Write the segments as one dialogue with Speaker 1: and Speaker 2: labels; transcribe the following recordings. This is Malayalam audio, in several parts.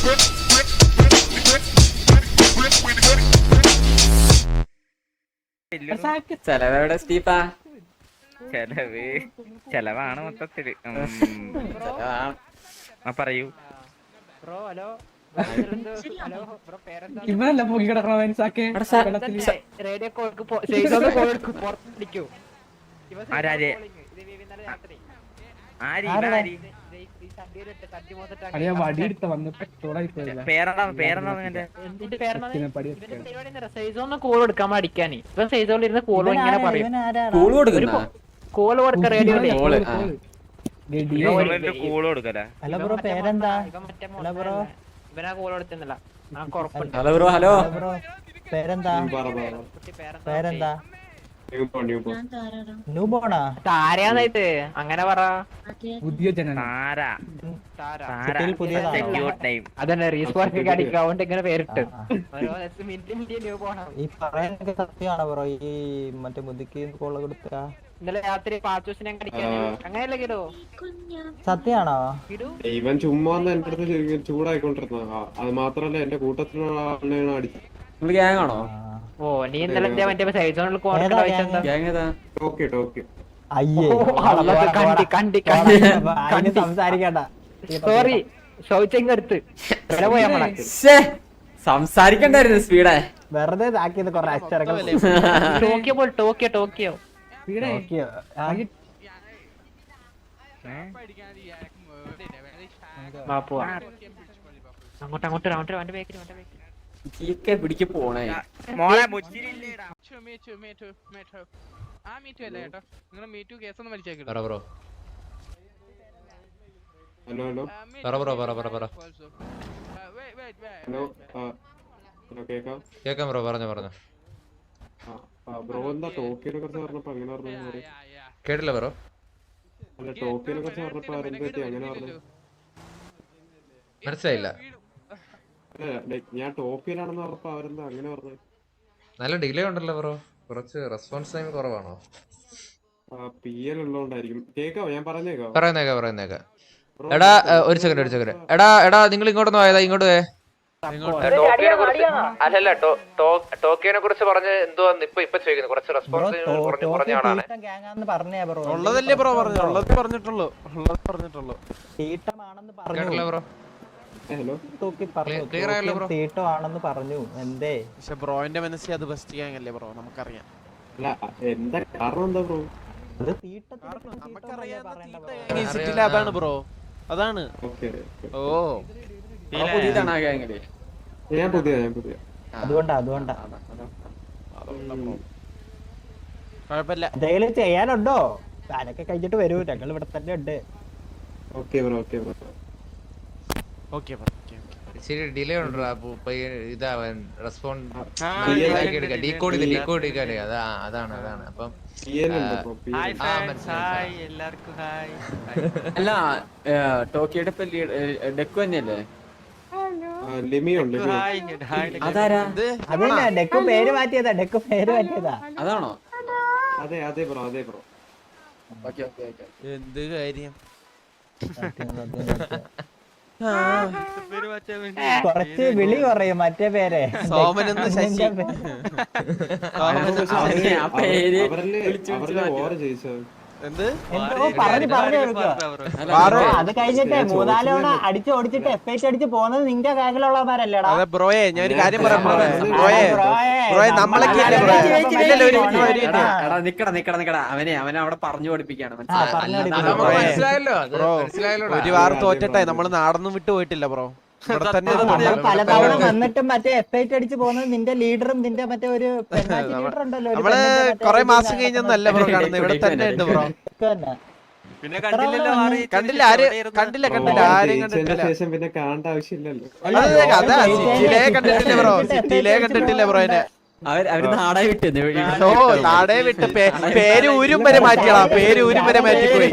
Speaker 1: ചെലവെവിടെ സ്റ്റീഫാ?
Speaker 2: ചെലവാണ് മൊത്തത്തില്. പറയൂ
Speaker 3: ബ്രോ. ഹലോ
Speaker 4: ഇവനല്ല പോയി കിടക്കണ
Speaker 3: റേഡിയോ
Speaker 4: വടിയെടുത്ത വന്ന്
Speaker 3: സൈസോന്ന് കോൾ കൊടുക്കാൻ അടിക്കാന് ഇപ്പൊ സൈസോളിൽ ഇരുന്ന് കോൾ ഇങ്ങനെ പറയും. കോള് കൊടുക്ക റേഡിയോ
Speaker 2: ഹലോ ബ്രോ പേരെന്താ?
Speaker 3: ഇവനാ കോൾ കൊടുത്തില്ല.
Speaker 1: Hello bro. ഹലോ
Speaker 2: പേരെന്താ? പേരെന്താ?
Speaker 3: താരയാന്നായിട്ട് അങ്ങനെ പറ.
Speaker 4: പുതിയ ജനന
Speaker 3: അതന്നെ റീസ്പോർക്ക് അടിക്കാണ്ട് ഇങ്ങനെ പേരിട്ട്
Speaker 2: ഈ പറയാനൊക്കെ സത്യമാണോ ബ്രോ? ഈ മറ്റേ മുതുക്കി കോള് കൊടുത്ത
Speaker 3: ഇന്നലെ രാത്രി പാച്ചൂസിനെ അങ്ങനെയല്ലേ കിടോ?
Speaker 2: സത്യാണോ?
Speaker 5: ഇവൻ ചുമ്മാ എന്റെ അടുത്ത് ചൂടായിക്കൊണ്ടിരുന്ന. അത് മാത്രല്ല എന്റെ കൂട്ടത്തിലുള്ള ആളിനെയാണ് അടിച്ചത്.
Speaker 1: ഗ്യാങ് ആണോ?
Speaker 3: ഓ നീ ഇന്നലെ മറ്റേ സൈസോണിൽ
Speaker 2: സംസാരിക്കണ്ട.
Speaker 3: സോറി ചോദിച്ചെടുത്ത്
Speaker 1: സംസാരിക്കണ്ടായിരുന്നു സ്പീഡേ.
Speaker 2: വെറുതെ ഇതാക്കിയത് കൊറേ അക്ഷരങ്ങൾ.
Speaker 3: ടോക്കിയോ പോലെ ടോക്കിയോ അങ്ങോട്ട്
Speaker 1: പിടിക്ക് പോണേ.
Speaker 5: ഹലോ ഹലോ ഹലോ
Speaker 6: കേക്കാം ബ്രോ. പറഞ്ഞോ.
Speaker 5: ബ്രോ എന്താ ടോക്കിയെ കുറിച്ച് പറഞ്ഞപ്പോ അങ്ങനെ പറഞ്ഞു?
Speaker 6: കേട്ടില്ല ബ്രോ.
Speaker 5: അല്ല ടോക്കിയെ കുറിച്ച് പറഞ്ഞപ്പോ ആരെന്താ അങ്ങനെ പറഞ്ഞു?
Speaker 6: മനസ്സിലായില്ല.
Speaker 5: ഞാൻ ടോക്കിയിലാണെന്ന് പറഞ്ഞപ്പോ അവരെന്താ അങ്ങനെ പറഞ്ഞു?
Speaker 6: നല്ല ഡിലേ ഉണ്ടല്ലോ ബ്രോ. കുറച്ച് റെസ്പോൺസ് ടൈം കുറവാണോ?
Speaker 5: PL ഉള്ളതുകൊണ്ടായിരിക്കും. കേക്കാവോ? ഞാൻ
Speaker 6: പറയുന്നേക്ക. എടാ ഒരു സെക്കൻഡ്. എടാ നിങ്ങൾ ഇങ്ങോട്ടൊന്നും പോയതാ? ഇങ്ങോട്ട് പോയേ. അല്ലല്ല ടോക്കിയോനെ കുറിച്ച് പറഞ്ഞ് എന്തോ ഇപ്പൊ ചോദിക്കുന്നു. കുറച്ച് റെസ്പോൺസ് കുറഞ്ഞ ആളാണ്.
Speaker 7: ഉള്ളതല്ലേ ബ്രോ പറഞ്ഞിട്ടുള്ളൂ.
Speaker 6: കേട്ടില്ല ബ്രോ.
Speaker 2: ക്ലിയർ ആയല്ലോ ബ്രോ. തീട്ടോ ആണെന്ന് പറഞ്ഞു. എന്തേ?
Speaker 7: പക്ഷെ ബ്രോന്റെ മനസ്സിൽ അത് ബെസ്റ്റ് ഗ്യാങ് അല്ലേ ബ്രോ? നമുക്കറിയാം.
Speaker 5: എന്താ കാരണം? എന്താ ബ്രോ?
Speaker 7: അതാണ് ബ്രോ. അതാണ്. ഓ
Speaker 1: പുതിയതാണ് ആ ഗ്യാങ്ങില്.
Speaker 5: ഞാൻ പുതിയ
Speaker 2: അതുകൊണ്ടാ
Speaker 7: കുഴപ്പമില്ല.
Speaker 2: എന്തെങ്കിലും ചെയ്യാനുണ്ടോ? താനൊക്കെ കഴിഞ്ഞിട്ട് വരൂ. ഞങ്ങൾ ഇവിടെ തന്നെ ഉണ്ട്.
Speaker 5: Okay bro.
Speaker 6: ശരി ഡിലേ ഉണ്ടോ? ഇതാ റെസ്പോണ്ട് ഡീകോഡ് എടുക്കാനേ. അതാണ് അപ്പം
Speaker 1: അല്ല ടോക്കിയുടെ ഡെക്കു തന്നെയല്ലേ? അതാരാ?
Speaker 2: അതന്നെ ഡെക്കു പേര് മാറ്റിയതാ.
Speaker 1: അതാണോ?
Speaker 5: അതെ ബ്രോ.
Speaker 7: എന്ത് കാര്യം?
Speaker 2: കുറച്ച് വിളി കുറയും മറ്റേ പേരെ.
Speaker 7: സോമനെന്ന് ശശി. എന്ത്
Speaker 2: അത് കഴിഞ്ഞിട്ട് 3-4 തവണ അടിച്ച് ഓടിച്ചിട്ട് FH അടിച്ച് പോകുന്നത് നിന്റെ ബാങ്കിലുള്ളവരല്ലേടാ?
Speaker 7: അതെ ബ്രോയെ ഞാൻ ഒരു കാര്യം പറയാം ബ്രോയെ നമ്മളൊക്കെ
Speaker 1: അവനെ അവിടെ പറഞ്ഞു പഠിപ്പിക്കാണ്.
Speaker 6: മനസ്സിലായല്ലോ.
Speaker 7: ഒരു വാർ തോറ്റട്ടെ. നമ്മള് നാടൊന്നും വിട്ടു പോയിട്ടില്ല ബ്രോ.
Speaker 2: പലതവണ വന്നിട്ടും മറ്റേ FH അടിച്ച് പോകുന്നത് നിന്റെ ലീഡറും നിന്റെ മറ്റേ ഒരു ലീഡർ ഉണ്ടല്ലോ.
Speaker 7: നമ്മള് കൊറേ മാസം കഴിഞ്ഞൊന്നല്ല ബ്രോ കാണുന്നത്. ഇവിടെ തന്നെ ഉണ്ട് ബ്രോ.
Speaker 5: പിന്നെ
Speaker 7: കണ്ടില്ല ആരെയും കണ്ടിട്ടില്ല.
Speaker 5: ശേഷം പിന്നെ കാണേണ്ട ആവശ്യമില്ലല്ലോ.
Speaker 7: അതാ സിറ്റിയിലേ കണ്ടിട്ടില്ല ബ്രോ.
Speaker 1: അവര് നാടേ വിട്ട്
Speaker 7: നാടേ വിട്ട് പേര് ഊരും വരെ മാറ്റിയാ. പേര് ഊരും വരെ മാറ്റിപ്പോയി.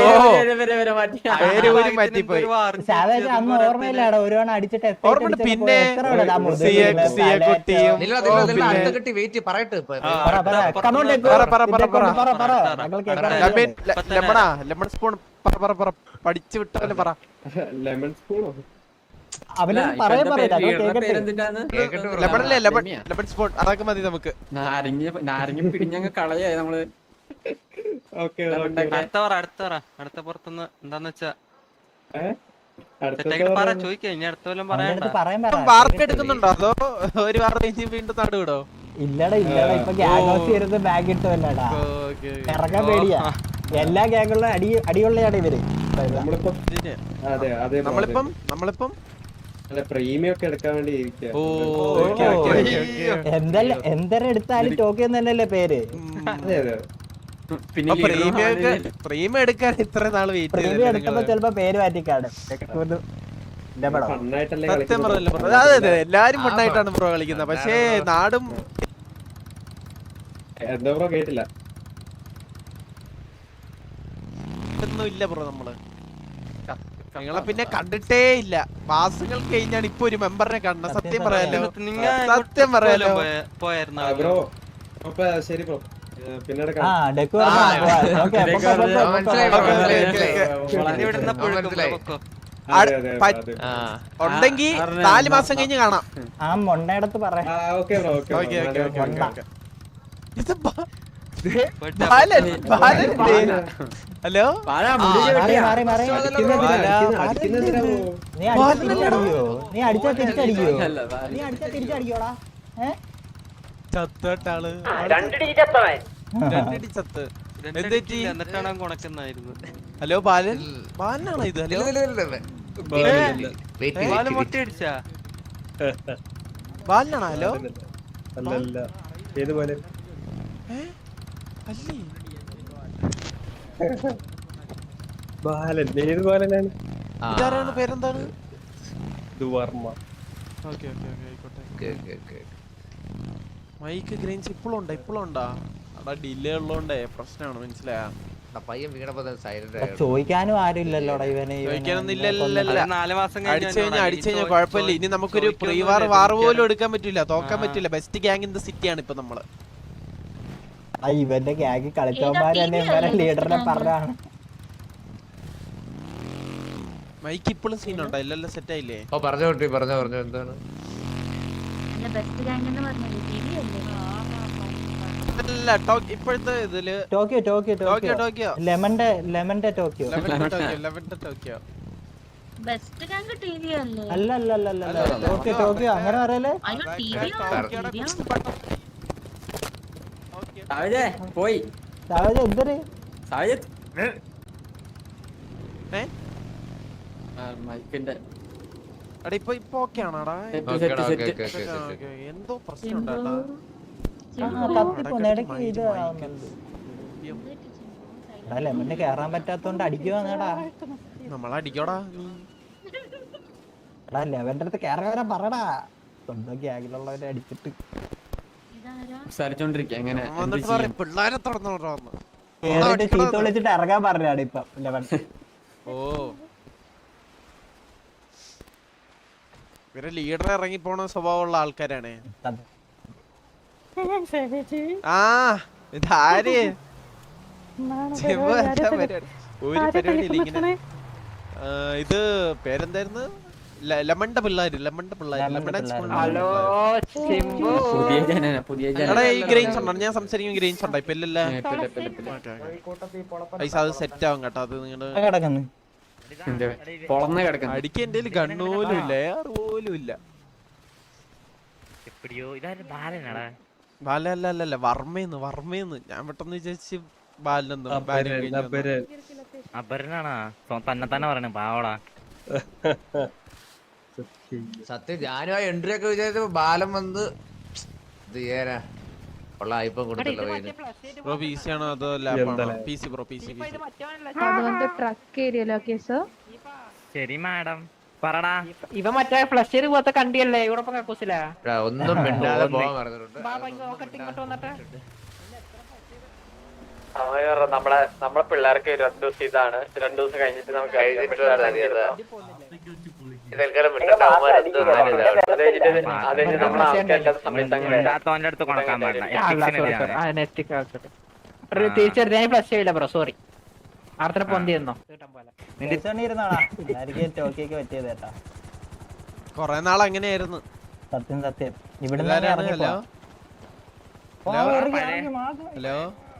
Speaker 2: അന്ന് ഓർമ്മയില്ലാടോ ഒരുവണ അടിച്ചിട്ട്
Speaker 7: ഓർമ്മ. പിന്നെ ലെമൺ സ്പൂൺ പഠിച്ചു വിട്ടാലും പറ.
Speaker 5: ലെമൺ സ്പൂണോ?
Speaker 2: അവനൊന്നും പറയാൻ പറയില്ല അതോ കേക്കട്ടെ
Speaker 1: പേരെന്തിട്ടാന്ന്
Speaker 7: ലെമണല്ലേ ലെമൺ സ്പോട്ട് അതൊക്കെ മതി നമുക്ക്.
Speaker 1: നാരങ്ങ പിടിഞ്ഞങ്ങ് കളയായി നമ്മള്.
Speaker 5: ഓക്കെ
Speaker 8: അടുത്ത പുറത്തുനിന്ന് എന്താന്ന് വെച്ചാ
Speaker 5: അടുത്ത
Speaker 8: ഇനി അടുത്ത കൊല്ലം
Speaker 2: അവന്റെ അടുത്ത് പറയാൻ പറ
Speaker 7: വാർക്ക് എടുക്കുന്നുണ്ടോ അതോ ഒരു വാർ കഴിഞ്ഞ് വീണ്ടും നാട് വിടോ?
Speaker 2: ഇല്ലടാ ഇപ്പൊ ഗ്യാങ് ഹൗസ് ഇരുന്ന് ബാഗ് ഇട്ടല്ലടാ ഇറങ്ങാൻ പേടിയാ. എല്ലാ ഗ്യാങ്ങുള്ള അടിയുള്ളയാണ് ഇവര്.
Speaker 7: നമ്മളിപ്പം
Speaker 5: പ്രീമിയം ഒക്കെ എടുക്കാൻ വേണ്ടി ഇരിക്കുക.
Speaker 2: എന്തെല്ലാം എടുത്താലും ടോക്കിയോ തന്നെയല്ലേ പേര്.
Speaker 5: അതെ അതെ
Speaker 1: പിന്നെ
Speaker 7: പ്രീമിയം എടുക്കാൻ ഇത്ര നാള് വെയിറ്റ്
Speaker 2: പ്രീമിയം എടുത്തപ്പോ ചിലപ്പോ പേര് മാറ്റിക്കാണ്.
Speaker 5: ഫണ്ണായിട്ടല്ലേ
Speaker 7: സത്യം പറഞ്ഞല്ലോ ബ്രോ. അതെ അതെ എല്ലാരും ഫണ്ണായിട്ടാണ് ബ്രോ കളിക്കുന്നത്. പക്ഷേ നാടും
Speaker 5: എന്താ ബ്രോ കേട്ടില്ല.
Speaker 7: ഒന്നും ഇല്ല ബ്രോ. നമ്മള് നിങ്ങളെ പിന്നെ കണ്ടിട്ടേ ഇല്ല. മാസങ്ങൾ കഴിഞ്ഞാണ് ഇപ്പൊ ഒരു മെമ്പറിനെ കാണുന്നത്. സത്യം പറയാലോ സത്യം പറയാലോ.
Speaker 8: പോയായിരുന്നു
Speaker 5: ബ്രോ അപ്പൊ ശരി ബ്രോ പിന്നീട്
Speaker 7: ഉണ്ടെങ്കി 4 മാസം കഴിഞ്ഞ് കാണാം.
Speaker 2: ആ മൊണ്ണയിടത്ത് പറയാം.
Speaker 7: ഹലോ
Speaker 2: നീ അടിച്ചാ തിരിച്ചടിക്കോടാ.
Speaker 7: ചത്തോട്ടാള്
Speaker 8: എന്നിട്ടാണ് കൊണക്കുന്നായിരുന്നു.
Speaker 7: ഹലോ ബാലൻ ബാലനാണോ ഇത്? ഹലോ
Speaker 8: ബാലൻ മൊട്ടയടിച്ചാ
Speaker 7: ബാലനാണോ? ഹലോ
Speaker 5: ഏതുപോലെ
Speaker 7: അല്ലേ
Speaker 5: ബാലൻ ഏത് ബാലനാണ്?
Speaker 7: ഇതാരാണ്? പേരെന്താണ്?
Speaker 5: ദുവർമ്മ.
Speaker 7: ഓക്കെ ഓക്കെ ഓക്കെ ആയിക്കോട്ടെ. മൈക്ക് ഗ്രെയിൻസ് ഇപ്പോഴും ഉണ്ടാ? അവിടെ ഡിലേ ഉള്ളോണ്ടേ പ്രശ്നമാണ്. മനസ്സിലായാ?
Speaker 2: ചോദിക്കാനും ആരും ഇല്ലല്ലോടാ ഇവന്.
Speaker 7: ചോദിക്കാനൊന്നും ഇല്ലല്ലോ.
Speaker 8: 4 മാസം
Speaker 7: അടിച്ചു കഴിഞ്ഞാൽ കുഴപ്പമില്ല. ഇനി നമുക്കൊരു പ്രീ വാർ പോലും എടുക്കാൻ പറ്റില്ല, തോക്കാൻ പറ്റില്ല. Best gang in the city ആണ് ഇപ്പൊ നമ്മള്.
Speaker 2: ഇവന്റെ ഗ്യാങ് കളിച്ചവന്മാര് തന്നെ ഇവരെ ലീഡറിനെ പറഞ്ഞാണ്.
Speaker 7: മൈക്ക് ഇപ്പോഴും സീനുണ്ടോ? ഇല്ലല്ലോ സെറ്റ് ആയില്ലേ?
Speaker 6: പറഞ്ഞു എന്താണ്
Speaker 7: അല്ല ഇപ്പോഴത്തെ ഇതില്
Speaker 2: ടോക്കിയോ ലെമന്റെ ടോക്കിയോ അല്ല ടോക്കിയോ അങ്ങനെ പറയല്ലേ.
Speaker 1: പോയി
Speaker 2: എന്തൊരു
Speaker 1: മൈക്കിന്റെ
Speaker 7: ഇപ്പൊ ഓക്കെ ആണോടാ? എന്തോ പ്രശ്നം
Speaker 2: ഇടയ്ക്ക് ഇത് ലെമന് കേറാൻ പറ്റാത്തോണ്ട് അടിക്കുവാടാ.
Speaker 7: നമ്മളടിക്കോടാ.
Speaker 2: ലെവന്റെ അടുത്ത് കേറാൻ പറടാ. സ്വന്തം ഗ്യാങ്ങിലുള്ളവരെ അടിച്ചിട്ട്
Speaker 1: സംസാരിച്ചോണ്ടിരിക്കുക എങ്ങനെ
Speaker 7: പിള്ളേരെ തുറന്നോടാ
Speaker 2: ചീത്ത വിളിച്ചിട്ട് ഇറങ്ങാൻ പറഞ്ഞാണ് ഇപ്പൊ ലെവൻ.
Speaker 7: ഓ ഇവരെ ലീഡർ ഇറങ്ങി പോണ സ്വഭാവമുള്ള ആൾക്കാരാണ്. ആ ഇതാര് ഒരു പരിപാടി. ഇത് പേരെന്തായിരുന്നു? ലെമണ്ട പിള്ളേര്. ഗ്രെയിൻസ് ഉണ്ടോ? ഞാൻ സംസാരിക്കും. ഗ്രെയിൻസ് ഉണ്ടോ ഇപ്പൊ? ഇല്ലല്ലേ പൈസ അത് സെറ്റ് ആവും കേട്ടോ. അത് നിങ്ങള് അടിക്കാൻ എന്റെ ഗണ്ണ് പോലും ഇല്ല, എയർ പോലും ഇല്ല. ബാലല്ല വർമ്മയെന്ന് ഞാൻ പെട്ടെന്ന് വിചാരിച്ച് ബാലനെന്ന്.
Speaker 3: തന്നെ പറയണ പാവടാ.
Speaker 6: സത്യം ഞാനും ആ എൻട്രി ഒക്കെ വിചാരിച്ചപ്പോ ബാലം വന്ന്
Speaker 7: ബ്രോ PC ആണോ അതോ ലാപ്പാണോ? PC bro PC.
Speaker 3: ശരി മാഡം പറടാ. ഇവ മറ്റേ ഫ്ലഷ് പോലത്തെ കണ്ടിയല്ലേ ഇവിടെ കക്കൂസിലാ.
Speaker 6: ഒന്നും മിണ്ടാതെ പോകാൻ പറഞ്ഞിട്ടുണ്ട്.
Speaker 1: നമ്മളെ പിള്ളേർക്ക് 2 ദിവസം ഇതാണ്. 2 ദിവസം കഴിഞ്ഞിട്ട് നമുക്ക്
Speaker 3: തീർച്ചയായിട്ടും ഫ്ലഷ് ചെയ്യില്ല ബ്രോ. സോറി. ആർത്തനെ പൊന്തി തന്നോ?
Speaker 2: ടോക്കിയൊക്കെ പറ്റിയത് കേട്ടാ.
Speaker 7: കൊറേ നാൾ അങ്ങനെയായിരുന്നു.
Speaker 2: സത്യം സത്യം. ഇവിടെ
Speaker 7: ഹലോ ഹലോ